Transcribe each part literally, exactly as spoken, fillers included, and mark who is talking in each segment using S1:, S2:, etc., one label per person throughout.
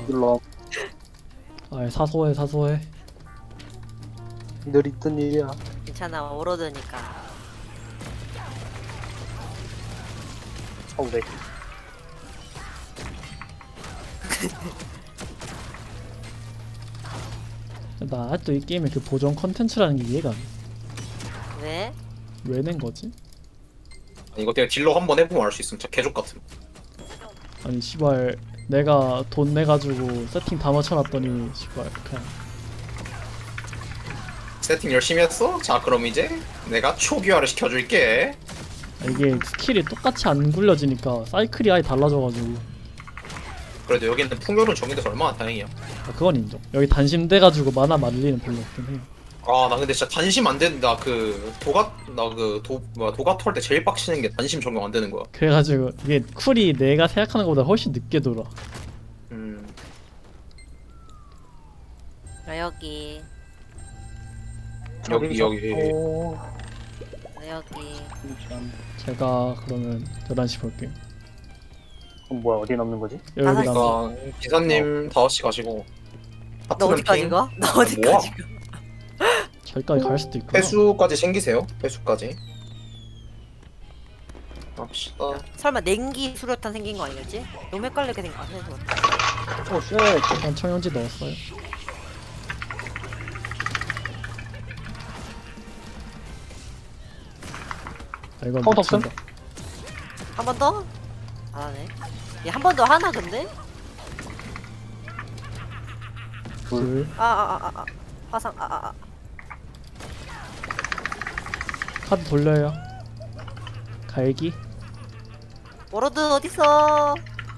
S1: 눌러.
S2: 아 사소해 사소해.
S1: 늘 있던 일이야.
S3: 괜찮아, 오로드니까.
S1: 어우 네.
S2: 나 아직도 이 게임의 그 보정 컨텐츠라는 게 이해가 안 돼.
S3: 왜?
S2: 왜 낸 거지?
S4: 아니, 이거 내가 딜러 한번 해보면 알 수 있음. 진짜 개족 같음.
S2: 아니 시발 내가 돈 내가지고 세팅 다 맞춰놨더니 시발 그냥
S4: 세팅 열심히 했어? 자, 그럼 이제 내가 초기화를 시켜줄게.
S2: 이게 스킬이 똑같이 안 굴려지니까 사이클이 아예 달라져가지고.
S4: 그래도 여기는 풍요는 정해져서 얼마나 다행이야.
S2: 아, 그건 인정. 여기 단심돼가지고 만화 말리는 별로 없긴 해요.
S4: 아, 나 근데 진짜 단심 안 된다. 그 도가 나 그 도 뭐야 도가 털 때 제일 빡치는 게 단심 적용 안 되는 거야.
S2: 그래가지고 이게 쿨이 내가 생각하는 것보다 훨씬 늦게 돌아.
S4: 음.
S3: 나 여기,
S4: 여기 여기.
S1: 오.
S3: 나 여기.
S1: 잠시만.
S2: 제가 그러면 열한 시 볼게요.
S1: 그럼 뭐야 어디 남는 거지?
S2: 여기
S3: 다섯 시.
S2: 남
S4: 그러니까 기사님 다섯 시 가시고.
S3: 너
S4: 하트는
S3: 어디까지
S4: 핑,
S3: 가? 너 어디까지 가?
S2: 저기까지 갈 수도 있구나.
S4: 회수까지 챙기세요. 회수까지. 갑시다.
S3: 설마 냉기 수류탄 생긴 거 아니겠지? 너무 헷갈리게 생각 안 해서.
S1: 오 쉣.
S2: 일단 청연지 넣었어요. 아 이건
S1: 카운터 없음?
S2: 미친다.
S3: 한 번 더? 안 하네. 얘 한 번 더 하나 근데?
S2: 둘.
S3: 아, 아, 아, 아, 아. 화상, 아, 아, 아.
S2: 카드 돌려요. 갈기.
S3: 워로드 어딨어?
S2: 어,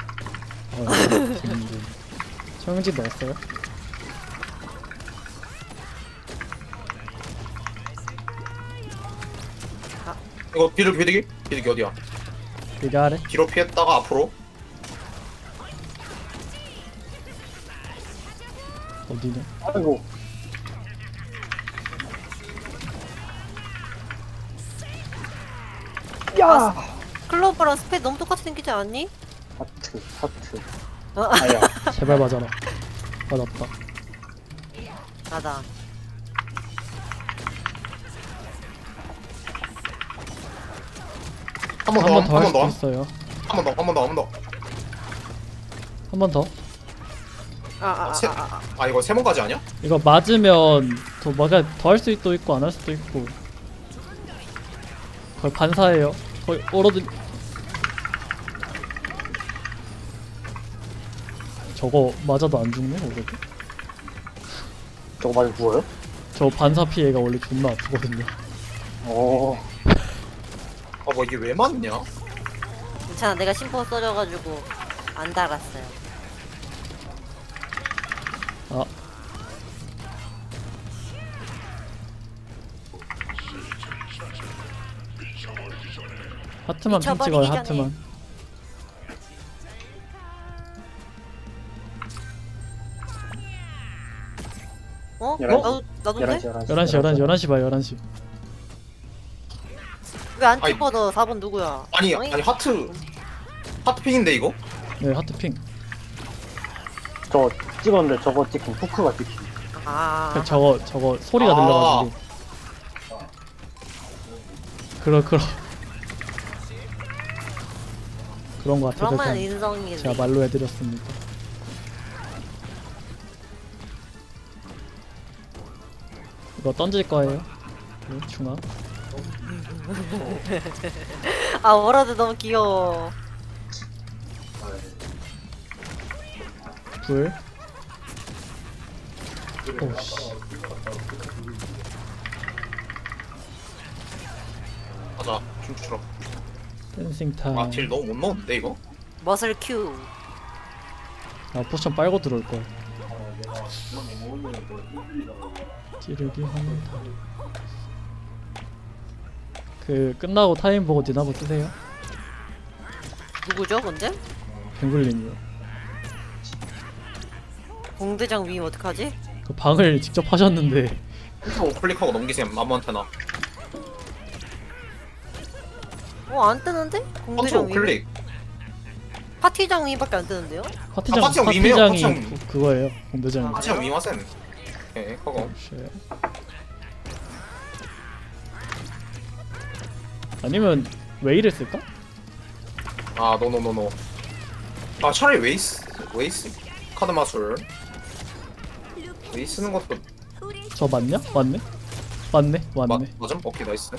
S2: 재밌네. 청연지 넣었어요.
S4: 이거 비둘기 비둘기 비둘기 어디야?
S2: 여기 아래.
S4: 뒤로 피했다가 앞으로.
S2: 어디냐?
S1: 아이고. 야.
S3: 클로버랑 스페 너무 똑같이 생기지 않니?
S1: 하트 하트.
S3: 어?
S1: 아야.
S2: 제발 맞아라. 맞았다.
S3: 나다.
S4: 한 번
S2: 한
S4: 더,
S2: 번 더 할
S4: 한 번
S2: 수도
S4: 더,
S2: 있어요.
S4: 한 번 더, 한 번 더, 한 번 더.
S2: 한 번 더.
S3: 아, 아, 아,
S4: 세-
S3: 아, 아.
S4: 아 이거 세 번까지 아니야?
S2: 이거 맞으면 더 뭐가 더 할 수도 있고 안 할 수도 있고. 거의 반사예요. 거의 얼어든. 저거 맞아도 안 죽네 오래도.
S1: 저거 맞아 누워요?
S2: 저 반사 피해가 원래 존나 아프거든요.
S1: 오.
S4: 아 뭐 이게 왜 맞냐?
S3: 괜찮아. 내가 심포 써줘가지고 안 달았어요.
S2: 아. 하트만 핑
S3: 미쳐버리기
S2: 찍어요
S3: 전에.
S2: 하트만.
S3: 어?
S1: 열한 시.
S3: 나도, 나도
S1: 열한 시
S3: 돼?
S1: 열한 시.
S2: 열한 시 열한 시 열한 시 봐요 열한 시.
S3: 왜안
S4: 아이.
S3: 찍어? 너 사 번 누구야?
S4: 아니
S3: 어이?
S4: 아니 하트 하트 핑인데 이거?
S2: 네 하트 핑.
S1: 저 찍었는데 저거 찍힌 후크가 찍힌.
S3: 아,
S2: 그 저거 저거 소리가
S4: 아.
S2: 들려가지고. 그러 그러. 그런 거 같아서
S3: 그러면
S2: 그냥
S3: 인성이지.
S2: 제가 말로 해드렸습니다. 이거 던질 거예요. 네, 중앙.
S3: 아, 워로드 너무 귀여워.
S2: 불. 오씨.
S4: 맞아 춤추러.
S2: 댄싱 타임.
S4: 아 딜 너무 못 넣었는데 이거?
S3: 머슬 큐.
S2: 아 포션 빨고 들어올 거야. 찌르기 합니다. 그 끝나고 타임 보고 디나보 뜨세요.
S3: 누구죠, 근데?
S2: 뱅글님이요.
S3: 공대장 위임 어떡하지?
S2: 그 방을 직접 하셨는데
S4: 오 클릭하고 넘기세요 아무한테나.
S3: 어, 안 뜨는데? 공대장
S4: 컨트롤
S3: 위임.
S4: 클릭.
S3: 파티장 위밖에 안 뜨는데요?
S2: 파티장
S4: 아, 파티장 위메요,
S2: 파티장이
S4: 파티장.
S2: 그- 그거예요. 공대장이.
S3: 아,
S4: 파티장 위마센. 오케이 그거.
S2: 쉣. 아니면 웨이를 쓸까?
S4: 아 노노노노. 아 차라리 웨이스 웨이스 카드 마술. 웨이스 쓰는 것도
S2: 저 맞냐? 맞네? 맞네?
S4: 맞
S2: 맞네.
S4: 맞음? 오케이 나이스.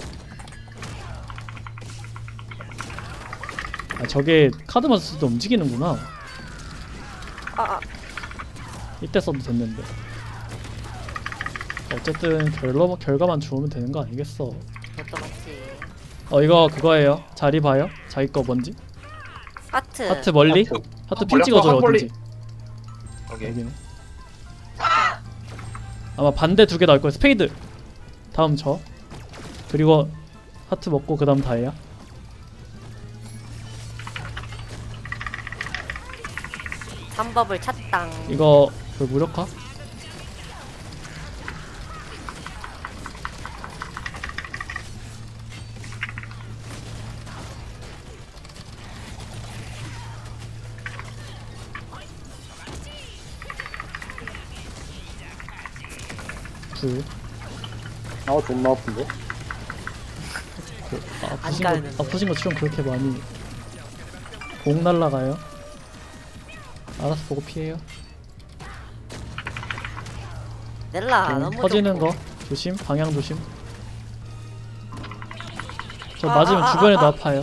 S2: 아 저게 카드만 쓸 때 움직이는구나.
S3: 아, 아.
S2: 이때 써도 됐는데. 어쨌든 결과, 결과만 좋으면 되는 거 아니겠어.
S3: 그것도 맞지.
S2: 어 이거 그거예요. 자리 봐요. 자기 거 뭔지.
S3: 하트.
S2: 하트 멀리.
S4: 하트.
S2: 하트 핀
S4: 멀리,
S2: 찍어줘요
S4: 하트 멀리.
S2: 어딘지.
S4: 오케이.
S2: 여기는. 아마 반대 두 개 나올 거예요. 스페이드. 다음 저. 그리고 하트 먹고 그 다음 다이아.
S3: 삼법을 찾당.
S2: 이거 그 무력화? 불.
S1: 아 존나 아픈데?
S2: 그, 아,
S3: 안
S2: 아프신 거,
S3: 가는데.
S2: 아프신 거 치면 그렇게 많이 공 날라가요? 알아서 보고 피해요.
S3: 넬라
S2: 공
S3: 아, 너무
S2: 터지는
S3: 좋고.
S2: 거 조심, 방향 조심. 저
S3: 아,
S2: 맞으면
S3: 아, 아,
S2: 주변에도
S3: 아, 아.
S2: 아파요.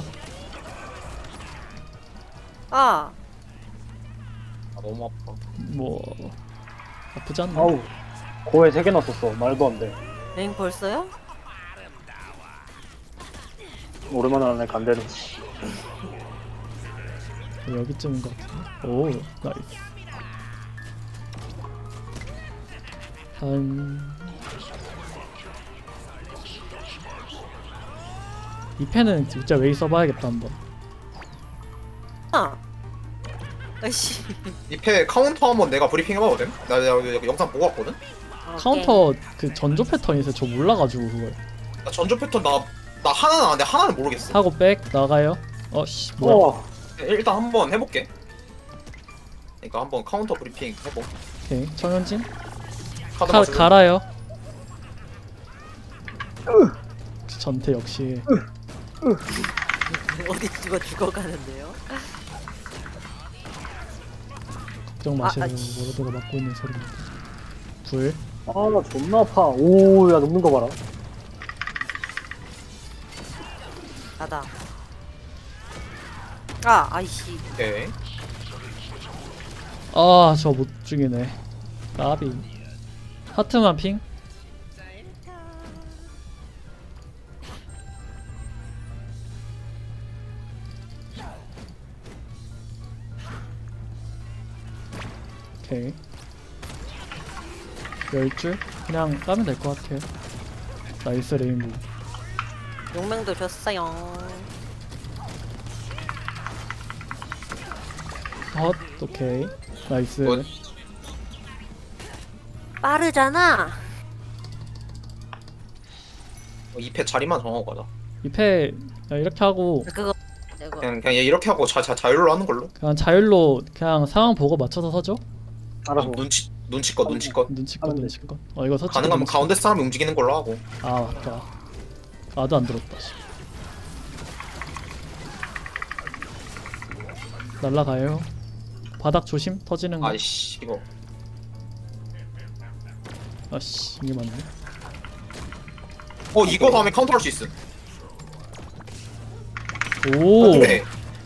S3: 아,
S4: 아 너무 아파.
S2: 뭐 아프지 않나?
S1: 아우 고에 세 개 넣었어. 말도 안 돼.
S3: 랭 벌써요?
S1: 오랜만에 하네 간대는.
S2: 여기쯤인 것 같은데. 오, 나이스. 다음 이 펜은 진짜 웨이 써봐야겠다 한번.
S3: 아. 아이씨.
S4: 이패 카운터 한번 내가 브리핑 해봐도 돼? 나, 나 여기 영상 보고 왔거든?
S2: 카운터 그 전조 패턴이 있어요. 저 몰라가지고 그걸
S4: 나 전조 패턴 나, 나 하나는 아는데 하나는 모르겠어.
S2: 하고 백 나가요. 어씨 뭐야?
S1: 우와.
S4: 일단 한번 해볼게. 그러니까 한번 카운터 브리핑 해보.
S2: 오케이 청현진
S4: 카드
S2: 가,
S4: 마술.
S2: 갈아요. 전태 역시
S3: 어디 죽어 죽어가는데요?
S2: 걱정 마시고
S3: 아, 아이씨.
S2: 모로드가 맡고 있는 소리입니다. 불
S1: 아나 존나 아파. 오야 눕는 거 봐라.
S3: 나다. 아, 아이씨.
S4: 오케이.
S2: 아, 저 못 죽이네. 까비. 하트만 핑? 오케이. 열 줄? 그냥 까면 될 것 같아요. 나이스 레인보우.
S3: 용맹도 줬어요.
S2: 헛, 오케이. 나이스.
S4: 굿.
S3: 빠르잖아.
S4: 이패 자리만 정하고 가자.
S2: 이 패 이렇게 하고
S3: 그거 이거
S4: 그냥 그냥 얘 이렇게 하고 자, 자 자율로 하는 걸로.
S2: 그냥 자율로 그냥 상황 보고 맞춰서 서죠?
S1: 알아서.
S4: 눈치 눈치껏 눈치껏.
S2: 눈치껏
S1: 하면 돼.
S2: 눈치껏. 어 이거 서치.
S4: 가능하면 가운데 사람이 움직이는 걸로 하고.
S2: 아 맞다. 나도 안 들었다. 씨. 날라가요. 바닥 조심. 터지는 거.
S4: 아이씨 이거.
S2: 아씨 이게 맞네.
S4: 어 이거 다음에 카운터 할 수 있음.
S2: 오.
S4: 네.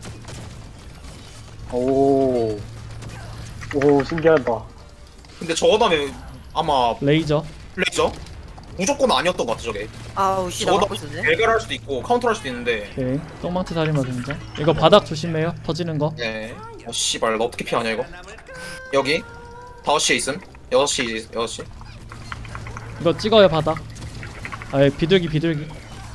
S1: 오. 오 신기하다.
S4: 근데 저거 다음에 아마
S2: 레이저.
S4: 레이저 무조건 아니었던 것 같아 저게.
S3: 아우 씨 나
S4: 저거
S3: 맞고 있었네.
S4: 배결할 수도 있고 카운터 할 수도 있는데.
S2: 오케이. 똥망치 살인마 등장. 이거 바닥 조심해요. 터지는 거.
S4: 네. 어 씨발 나 어떻게 피하냐 이거. 여기 다섯 시에 있음. 여섯 시 여섯 시.
S2: 이거 찍어요 바닥. 아예 비둘기 비둘기.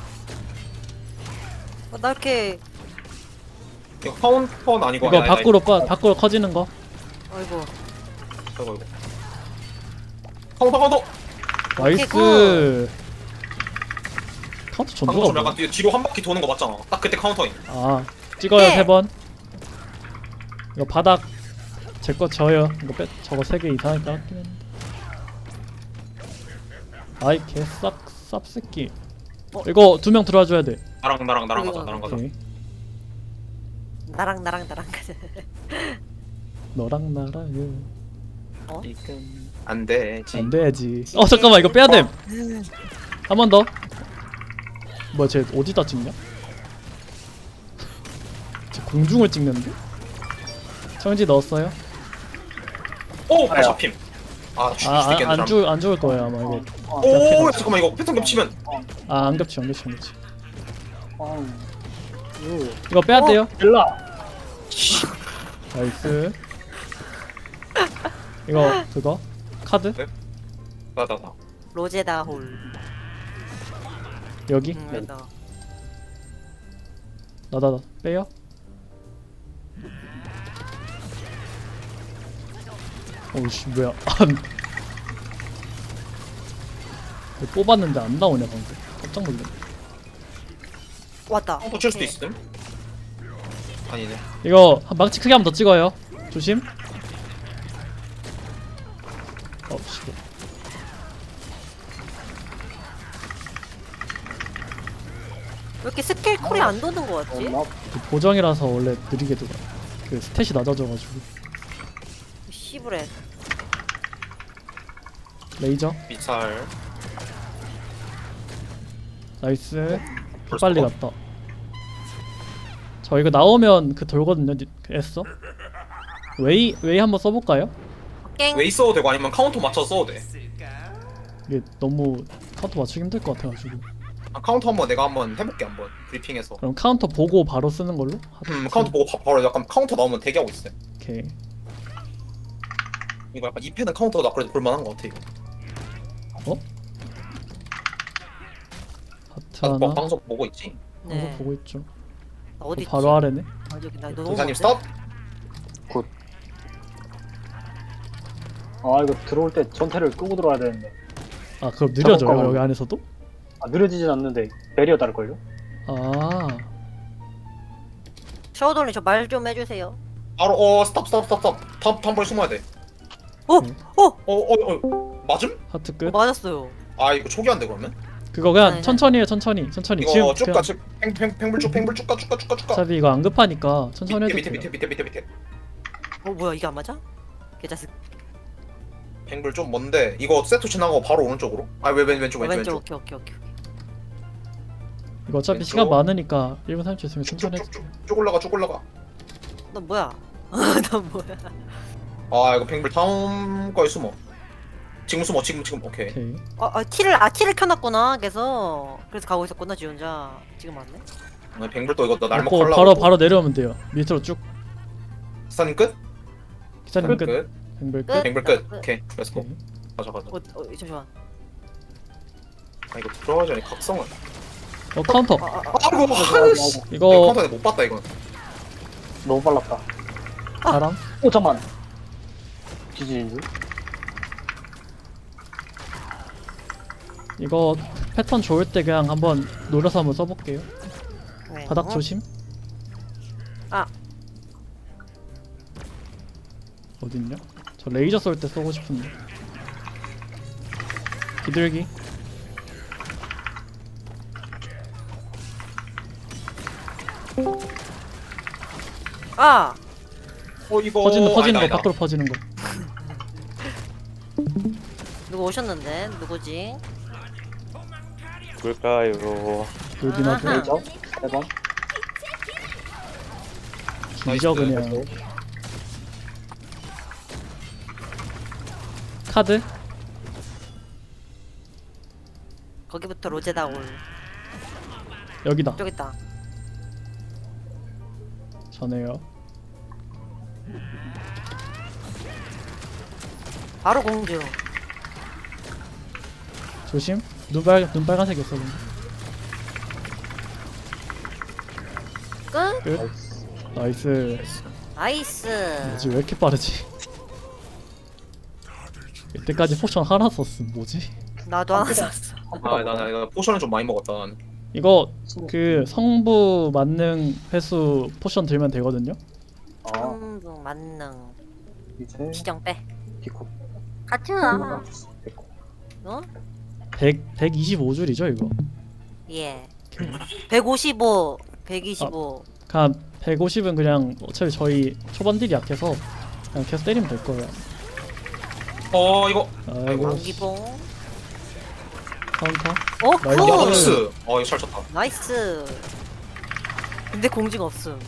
S3: 어, 나 이렇게
S4: 이거 카운터는 아니고.
S2: 이거
S4: 아니, 아니,
S2: 밖으로 꺼 밖으로 커지는 거.
S3: 아이고
S4: 아이고 이거. 카운터 카운터.
S2: 나이스. 카운트
S4: 방금
S2: 전도가
S4: 좀
S2: 뭐야?
S4: 약간 뒤- 뒤로 한 바퀴 도는 거 맞잖아. 딱 그때 카운터인.
S2: 아 찍어요
S3: 네.
S2: 세 번. 이거 바닥 제 거 져요. 이거 빼 저거 세 개 이상할 것 같긴 했는데. 아이 개싹 쌉새끼.
S3: 어?
S2: 이거 두 명 들어와줘야 돼.
S4: 나랑 나랑 나랑 가자 나랑 가자.
S2: 오케이.
S3: 나랑 나랑 나랑 가자.
S2: 너랑 나랑
S3: 어?
S4: 안 되지.
S2: 안 돼야지. 어 잠깐만 이거 빼야 됨. 한 번 더. 뭐야 쟤 어디다 찍냐? 쟤 공중을 찍는데? 청지 넣었어요?
S4: 오,
S1: 아야.
S4: 잡힘. 아, 죽일 수도 있겠네.
S2: 아안 죽을 안 죽을 거예요 아마 이거.
S1: 어,
S4: 오, 잠깐만 이거 패턴 겹치면.
S2: 아 안 겹치 안 겹치 안 겹치.
S1: 어, 유,
S2: 이거 빼야
S3: 어?
S2: 돼요.
S1: 일라.
S2: 나이스. 이거 그거 카드
S4: 나나나.
S3: 로제다 홀.
S2: 여기
S3: 음, 나.
S2: 나다다 빼요. 오우씨 뭐야 안 뽑았는데 안 나오냐 방금 깜짝 놀랐네.
S3: 왔다.
S4: 카운터 칠 수도 있음. 아니네.
S2: 이거 한 망치 크게 한 번 더 찍어요. 조심. 어 씨발.
S3: 왜 이렇게 스킬 쿨이 안 도는 거 같지?
S1: 엄마.
S2: 그 보정이라서 원래 느리게 돌아. 그 스탯이 낮아져가지고.
S3: 씨부레.
S2: 레이저
S4: 미찰.
S2: 나이스.
S4: 벌써
S2: 빨리
S4: 어?
S2: 갔다. 저 이거 나오면 그 돌거든요. 니- 그 애써. 웨이 웨이 한번 써볼까요?
S3: 깽.
S4: 웨이 써도 되고 아니면 카운터 맞춰서 써도 돼.
S2: 이게 너무 카운터 맞추기 힘들 것 같아가지고.
S4: 아, 카운터 한번 내가 한번 해볼게 한번 브리핑해서.
S2: 그럼 카운터 보고 바로 쓰는 걸로?
S4: 음 카운터 보고 바, 바로 약간 카운터 나오면 대기하고 있어.
S2: 오케이.
S4: 이거 약간 이 패는 카운터가 그래도 볼만한 것 같아 이거.
S2: 하트
S4: 아,
S2: 하나.
S4: 뭐, 방송 보고 있지.
S2: 방송
S3: 네.
S2: 보고 있죠.
S3: 나 어디 있지?
S2: 바로 아래네.
S3: 아, 저기 나 너무
S4: 동사님
S3: 먼데?
S4: 스탑.
S1: 아 이거 들어올 때 전태를 끄고 들어와야 되는데.
S2: 아 그럼 느려져요
S1: 잠깐만.
S2: 여기 안에서도?
S1: 아 느려지진 않는데 베리어 달걸요?
S2: 아
S3: 샤오돌님 저 말 좀 해주세요.
S4: 바로 어 스탑 스탑 스탑 스탑. 탑 한 번 숨어야 돼.
S3: 어?
S2: 네.
S3: 어?
S4: 어어 어, 맞음?
S2: 하트
S3: 어
S2: 끝.
S3: 맞았어요.
S4: 아 이거 초기화인데 그러면?
S2: 그거 그냥
S3: 네, 네.
S2: 천천히 해 천천히 천천히.
S4: 이거
S2: 지금
S4: 쭉가
S2: 그냥
S4: 쭉 팽팽 팽불 쭉 팽불 쭉가 쭉가 쭉가 쭉가.
S2: 어차피 이거 안 급하니까 천천히 해도
S4: 밑에
S2: 돼요.
S4: 밑에 밑에 밑에 밑에 밑에.
S3: 어 뭐야 이게 안 맞아? 개자식.
S4: 팽불 좀 먼데 이거 세트 지나가고 바로 오른쪽으로? 아왜왼 왼쪽
S3: 어,
S4: 왼쪽
S3: 왼쪽
S4: 왼쪽.
S3: 오케이 오케이 오케이.
S2: 이거 어차피
S4: 왼쪽.
S2: 시간 많으니까 일 분 삼십 초 있으면 천천히 해도 돼요.
S4: 쭉쭉쭉 쭉 올라가 쭉 올라가.
S3: 너 뭐야? 너 뭐야?
S4: 아 이거 팽불 다음 거에 숨어. 지금 숨어 지금 지금 오케이.
S2: 오케이.
S3: 아, 아 티를 아 티를 켜놨구나. 계속 그래서 가고 있었구나 지 혼자. 지금 왔네.
S4: 아, 팽불 또 이거 너 날먹
S2: 먹고
S4: 하려고.
S2: 바로 바로 내려오면 돼요. 밑으로 쭉.
S4: 스타님 끝?
S2: 기사님 끝.
S4: 끝.
S2: 뱅글 끝.
S3: 끝.
S4: 팽불 끝. 오케이 렛츠고.
S2: 오케이.
S4: 가자 가자.
S3: 어, 어 잠시만.
S4: 아 이거 들어가기 전에 각성을.
S2: 어 카운터.
S3: 아, 아, 아.
S4: 아이고 하으씨.
S2: 이거
S4: 카운터에 못 봤다 이건.
S1: 너무 빨랐다.
S2: 바람.
S1: 오 잠만. 지지인 줄.
S2: 이거 패턴 좋을 때 그냥 한번 노려서 한번 써볼게요.
S3: 네.
S2: 바닥
S3: 어?
S2: 조심.
S3: 아.
S2: 어딨냐? 저 레이저 쏠 때 쏘고 싶은데. 비둘기.
S3: 아.
S4: 어 이거
S2: 퍼지는 퍼지는
S4: 아니다,
S2: 거 밖으로 퍼지는 거.
S3: 누구 오셨는데 누구지?
S5: 누굴까요?
S2: 여기나
S3: 아하.
S1: 레이저 세 번.
S2: 기저
S4: 나이스.
S2: 그냥. 카드.
S3: 거기부터 로제다 올.
S2: 여기다.
S3: 저기 있다.
S2: 전에요.
S3: 바로 공주.
S2: 조심. 눈빨 눈 빨간색이었어 근데.
S3: 끝.
S2: 끝. 나이스.
S3: 나이스.
S2: 뭐지 왜 이렇게 빠르지? 이때까지 포션 하나 썼음 뭐지?
S3: 나도 하나 샀어.
S4: 아나 이거 포션을 좀 많이 먹었다. 난.
S2: 이거 그 성부 만능 회수 포션 들면 되거든요.
S1: 아
S3: 성부 만능
S1: 이제
S3: 지정 빼.
S1: 디코.
S3: 같이 와.
S1: 디코.
S3: 어?
S2: 백 백이십오 줄이죠 이거.
S3: 예. 백오십오, 백이십오.
S2: 그냥 백오십은 그냥 어차피 저희 초반딜이 약해서 그냥 계속 때리면 될 거예요.
S4: 어 이거
S2: 아이고
S3: 공기봉.
S2: 카운터.
S3: 어,
S2: 나이스.
S3: 굿.
S4: 야박스. 어 이거 잘 쳤다.
S3: 나이스. 근데 공지가 없음.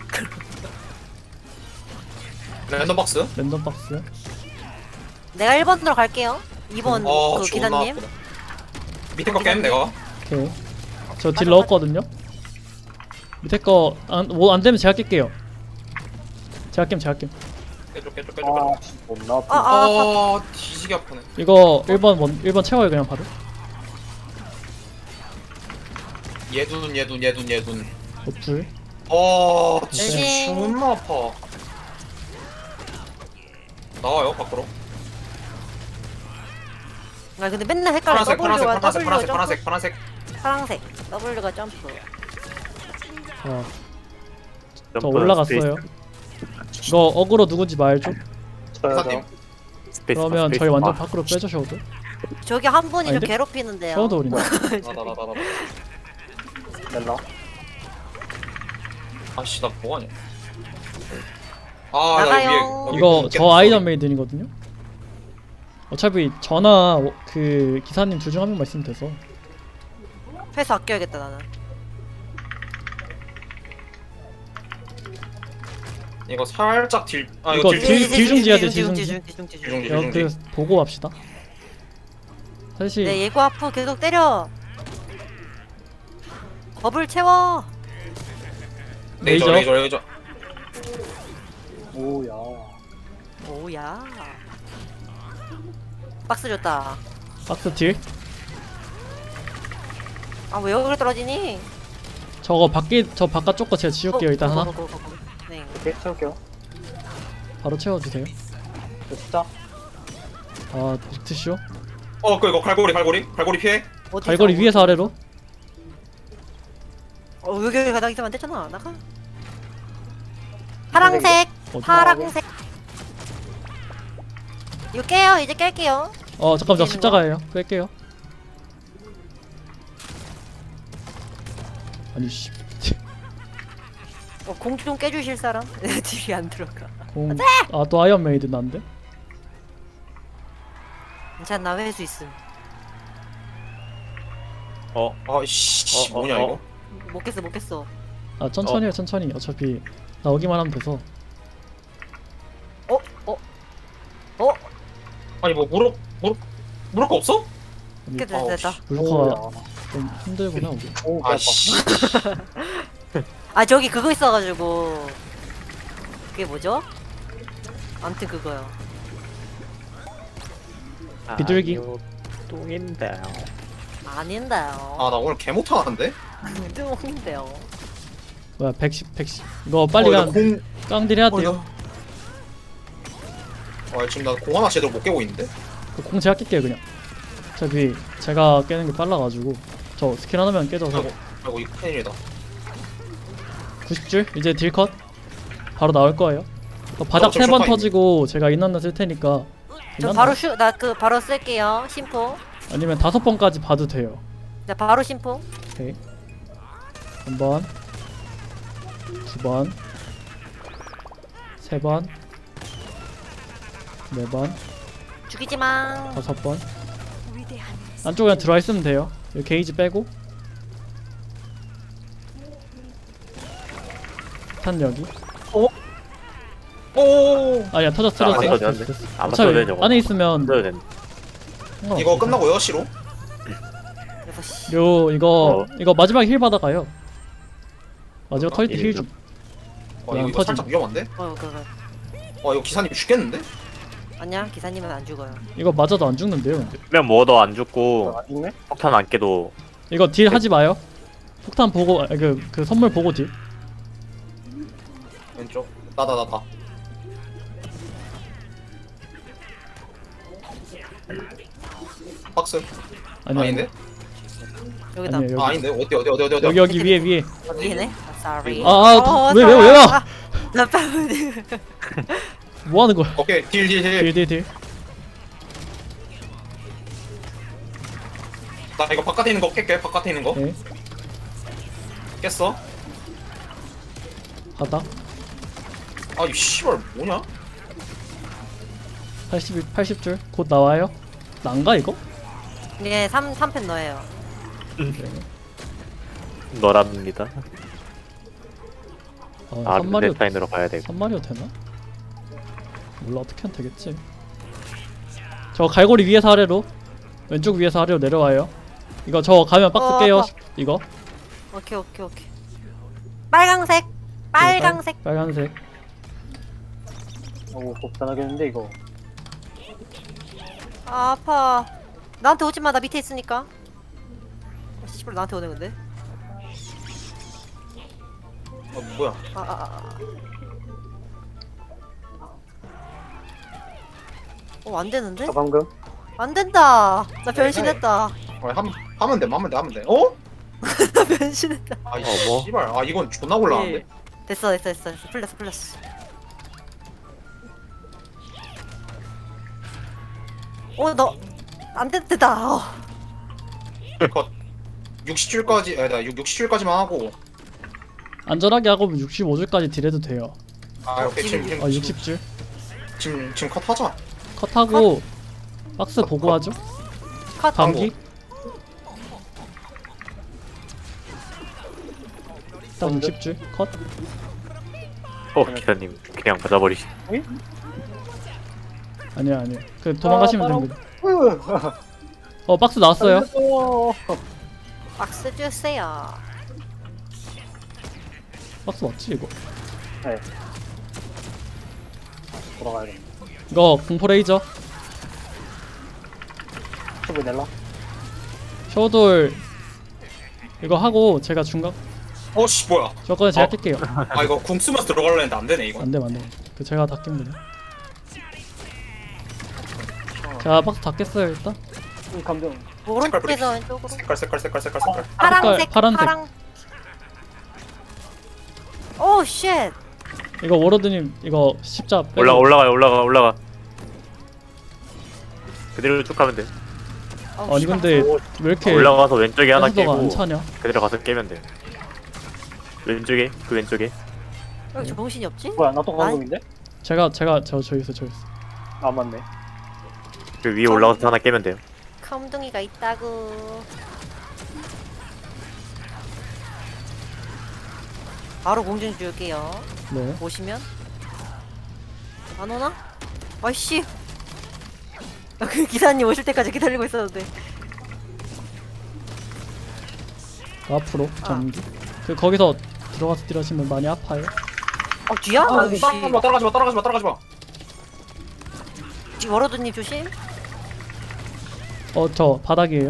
S4: 랜덤 박스.
S2: 랜덤 박스.
S3: 내가 일 번으로 갈게요. 이 번
S4: 어
S3: 그
S4: 존나
S3: 기사님.
S4: 아프다. 밑에 거 깬 내가.
S2: 오케이. 저 딜 넣었거든요. 밑에 거뭐 안 되면 제가 깰게요. 제가 깰 제가 깰.
S4: 깨줘 깨줘 깨줘 깨줘.
S1: 아, 씨, 못 나왔다.
S3: 아, 아,
S4: 아 뒤지게 아프네.
S2: 이거 일 번 원, 일 번 채워요 그냥 바로.
S4: 얘둔 얘둔 얘둔 얘둔.
S2: 노플.
S4: 어 진짜
S3: 네.
S4: 존나 아파. 나와요 밖으로.
S3: 아 근데 맨날 헷갈려.
S4: 파란색 파란색
S3: W가
S4: 파란색
S3: W가
S4: 파란색
S3: 점프.
S4: 파란색 파란색.
S3: 파란색. W가 점프.
S2: 어, 저
S5: 점프,
S2: 올라갔어요.
S5: 스페이스,
S2: 이거 어그로 누군지 말죠.
S1: 저요,
S4: 기사님.
S1: 저.
S5: 스페이스,
S2: 그러면
S5: 스페이스
S2: 저희 완전
S5: 바.
S2: 밖으로 빼주셔도.
S3: 저기 한 분이 저
S2: 아닌데?
S3: 괴롭히는데요.
S2: 샤워도 우린다.
S4: 나나나나 나.
S1: 멜라.
S4: 아씨 나 뭐하냐. 아나
S3: 나가요.
S4: 위에 여기
S2: 이거
S4: 문
S2: 저
S4: 깼어.
S2: 아이언 메이든이거든요. 어차피 저나 워- 그 기사님 둘 중 한 명만 있으면 돼서.
S3: 회수 아껴야겠다 나는.
S4: 이거 살짝 딜. 아
S2: 이거
S4: 이거 딜.
S2: 딜- 딜 중지 해야 돼, 딜
S3: 딜
S2: 중지.
S3: 중, 딜 중, 딜 중.
S4: 딜 중지
S2: 여,
S4: 딜
S2: 그
S4: 중지.
S2: 보고 합시다. 사실
S3: 네 예고 아프 계속 때려. 버블 채워.
S4: 레이저
S2: 레이저.
S4: 레이저 레이저.
S1: 오야.
S3: 오야. 박스 줬다.
S2: 박스 딜.
S3: 아 왜 여기로 떨어지니?
S2: 저거 밖에 저 바깥쪽 거 제가 지울게요 일단
S3: 고,
S2: 하나.
S3: 고, 고, 고, 고. 네.
S1: 오케이, 채울게요.
S2: 바로 채워주세요.
S1: 저 진짜.
S2: 아 빅트쇼.
S4: 어그 이거 갈고리 갈고리 갈고리 피해.
S3: 어디서
S2: 갈고리
S3: 어디-
S2: 위에서 아래로.
S3: 어 여기 여기 가다 있으면 안 되잖아. 나가. 파랑색.
S2: 어디?
S3: 파랑색. 이거 깨요. 이제 깰게요.
S2: 어 잠깐 저
S3: 깨는
S2: 십자가예요. 뺄게요. 아니 씨.
S3: 어, 공 좀 깨주실 사람? 딜이 안 들어가.
S2: 공. 아또 아이언 메이든 난데.
S3: 괜찮나 회수 있음.
S5: 어,
S4: 아이씨
S5: 어, 어,
S4: 뭐냐
S5: 어.
S4: 이거.
S3: 못 깼어 못 깼어.
S2: 아 천천히 해 천천히. 어차피 나오기만 하면 돼서.
S3: 어? 어? 어?
S4: 아니 뭐 무릎 무릎 무릎 거 없어?
S2: 아니,
S3: 됐다
S4: 아우,
S3: 됐다.
S2: 물커가
S1: 오야.
S2: 좀 힘들구나 우리.
S1: 오, 아,
S4: 아씨.
S3: 아 저기 그거 있어가지고 그게 뭐죠? 아무튼 그거요.
S2: 비둘기.
S5: 아니요, 똥인데요.
S3: 아닌데요.
S4: 아 나 오늘 개 못하는데.
S3: 뚱인데요.
S2: 뭐야 백십 백십. 이거 빨리
S4: 어,
S2: 가.
S4: 이거 공.
S2: 깡딜 해야
S4: 어,
S2: 돼요.
S4: 이거- 아 지금 나 공 하나 제대로 못 깨고 있는데.
S2: 그 공 제가 깰게요 그냥. 어차피 제가 깨는 게 빨라가지고 저 스킬 하나면 깨져서.
S4: 아이고 아이고 이거 큰일이다.
S2: 구십 줄 이제 딜컷 바로 나올 거예요. 어, 바닥
S4: 어, 저
S2: 세 번
S4: 쇼파이네.
S2: 터지고 제가 인난나 쓸 테니까.
S3: 저
S2: 인난나?
S3: 바로 슈 나 그 바로 쓸게요. 심포.
S2: 아니면 다섯 번까지 봐도 돼요.
S3: 자 바로 심포.
S2: 오케이. 한 번, 두 번, 세 번, 네 번,
S3: 죽이지 마.
S2: 다섯 번. 안쪽에 그냥 들어와 있으면 돼요. 여기 게이지 빼고. 탄 여기.
S4: 오.
S2: 아야 터졌어
S5: 안
S2: 터졌어.
S5: 터졌는데?
S2: 됐어, 됐어.
S5: 안
S2: 어차피
S5: 터져요, 저거.
S2: 안에 있으면
S5: 터져야 되는데.
S2: 상관없어.
S4: 이거 끝나고 여섯 시로.
S3: 여섯 시.
S2: 요 이거
S5: 어.
S2: 이거 마지막 힐 받아가요. 마지막
S4: 어,
S2: 터질 때 힐
S5: 일이죠.
S2: 좀.
S4: 어
S2: 그냥
S4: 이거
S2: 터짐.
S4: 살짝 위험한데.
S3: 어 그거.
S4: 어 이거 기사님 죽겠는데?
S3: 아니야 기사님은 안 죽어요.
S2: 이거 맞아도 안 죽는데요. 근데.
S5: 면 뭐도 안 죽고
S1: 아, 있네?
S5: 폭탄 안 깨도
S2: 이거 딜 하지 마요. 폭탄 보고 아, 그, 그 선물 보고 딜.
S4: 왼쪽. 나다 나다. 박스.
S2: 아니
S4: 아닌데?
S3: 여기다.
S2: 아니에요.
S4: 아
S2: 여기
S4: 아닌데? 어디 어디 어디 어디 어디.
S2: 여기 여기 위에 위에.
S3: 위에네. 아, sorry.
S2: 아, 아,
S3: 어,
S2: 왜, 왜, 왜 와?
S3: 아, 나 빨리.
S2: 뭐 하는 거야?
S4: 오케이 딜 딜 딜.
S2: 딜딜딜.
S4: 나 이거 바깥에 있는 거 깰게. 바깥에 있는 거
S2: 네.
S4: 깼어.
S2: 바닥.
S4: 아이 씨발 뭐냐?
S2: 팔십, 팔십 줄. 곧 나와요. 난가 이거?
S3: 예, 삼, 삼 펜 넣어요.
S5: 너랍니다.
S2: 어,
S5: 아
S2: 삼 마리오,
S5: 룬데타인으로 가야 되고.
S2: 삼 마리오 되나? 몰라, 어떻게 하면 되겠지. 저 갈고리 위에서 아래로, 왼쪽 위에서 아래로 내려와요. 이거 저 가면 박스
S3: 어,
S2: 깨요.
S3: 아파.
S2: 이거
S3: 오케이, 오케이, 오케이. 빨강색! 빨강색!
S2: 빨, 빨간색.
S1: 오 곱단하겠는데 이거.
S3: 아, 아파. 나한테 오지 마, 나 밑에 있으니까. 아, 씨발, 나한테 오네, 근데.
S4: 어 뭐야?
S3: 아, 아, 아. 어, 안 되는데?
S1: 아 방금
S3: 안 된다. 나
S4: 네,
S3: 변신했다.
S4: 어, 함 하면 돼. 하면 돼. 하면 돼. 어?
S3: 나 변신했다.
S4: 아이
S5: 어머.
S4: 씨발. 아 이건 존나 곤란한데.
S3: 예. 됐어, 됐어, 됐어, 됐어. 풀렸어, 풀렸어. 어, 너, 안 됐다. 어.
S4: 컷. 육십 줄까지 아니다. 육십 줄까지만 하고.
S2: 안전하게 하고 육십오 줄까지 딜해도 돼요.
S4: 아 오케이 지금 지금
S2: 어, 육십 줄.
S4: 지금 지금 컷 하자.
S2: 컷하고 박스 보고 하죠.
S3: 컷.
S2: 감기. 일단 육십 줄 컷.
S5: 어 기사님 그냥 맞아버리시.
S2: 아니야 아니야. 그 도망가시면
S1: 아,
S2: 됩니다. 어 박스 나왔어요.
S1: 어,
S3: 박스 주세요.
S2: 박스 맞지 이거?
S1: 네. 돌아가야겠네.
S2: 이거 공포 레이저.
S1: 큐브 낼라?
S2: 쇼돌 이거 하고 제가 중간
S4: 어씨 뭐야?
S2: 저거는 제가
S4: 어.
S2: 뛸게요.
S4: 아 이거 궁 쓰면서 들어가려 했는데 안 되네 이거.
S2: 안돼 안돼. 그 제가 다 낍니다. 자 박스 다 깼어요 일단.
S1: 이 감정.
S3: 오른쪽에서 왼쪽으로.
S4: 색깔 색깔 색깔 색깔 색깔.
S3: 파랑색,
S2: 파란색.
S3: 파랑. 오, 쉣.
S2: 이거 워로드님 이거 십자 빼고.
S5: 올라가 올라가 올라가 올라가. 그대로 쭉 가면 돼.
S3: 어우,
S2: 아니
S3: 씨발.
S2: 근데 왜 이렇게
S5: 올라가서 왼쪽에 하나
S2: 가스도가 안
S5: 깨고
S2: 차냐?
S5: 그대로 가서 깨면 돼. 왼쪽에 그 왼쪽에.
S3: 여기 정신이 없지?
S1: 뭐야 나 또 감금인데?
S2: 제가 제가 저 저기 있어 저기 있어.
S1: 아 맞네.
S5: 그 위에 올라가서 하나 깨면 돼요.
S3: 컴둥이가 있다고. 바로 공중 줄게요.
S2: 네.
S3: 보시면 안 오나? 아이씨. 나 그 기사님 오실 때까지 기다리고 있었는데.
S2: 앞으로 전기. 그 거기서 들어가서 딜하시면 많이 아파요.
S3: 어, 뒤야?
S4: 아,
S3: 아이씨.
S4: 따라가지 마 따라가지 마 따라가지 마 따라가지 마.
S3: 뒤 워로드님 조심.
S2: 어 저 바닥이에요.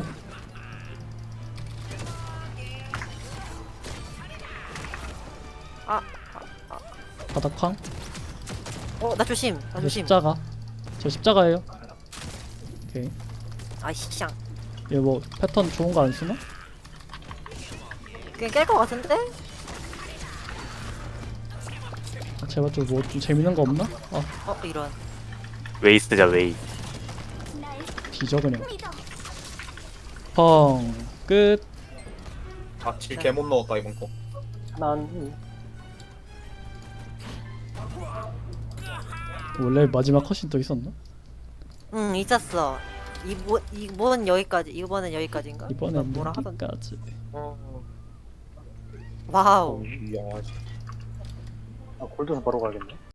S3: 아,
S2: 바닥 쾅.
S3: 어, 나 조심. 나
S2: 저
S3: 조심.
S2: 십자가. 저 십자가예요. 오케이.
S3: 아이씨, 샹.
S2: 얘 뭐 패턴 좋은 거 안 쓰나?
S3: 그냥 깰 것 같은데?
S2: 아, 제발 좀 뭐 좀 재밌는 거 없나? 아
S3: 어, 이런.
S5: 웨이 쓰자 웨이.
S2: 뒤져 그냥. 펑 끝.
S4: 아딜 개 못 넣었다 이번 거.
S1: 난
S2: 원래 마지막 컷이 또 있었나?
S3: 응, 있었어. 이번 이번 여기까지. 이번엔 여기까지인가?
S2: 이번엔
S3: 뭐라 하던.
S2: 여기까지.
S4: 어.
S3: 와우.
S4: 이야.
S1: 아, 골드에서 바로 가야겠네.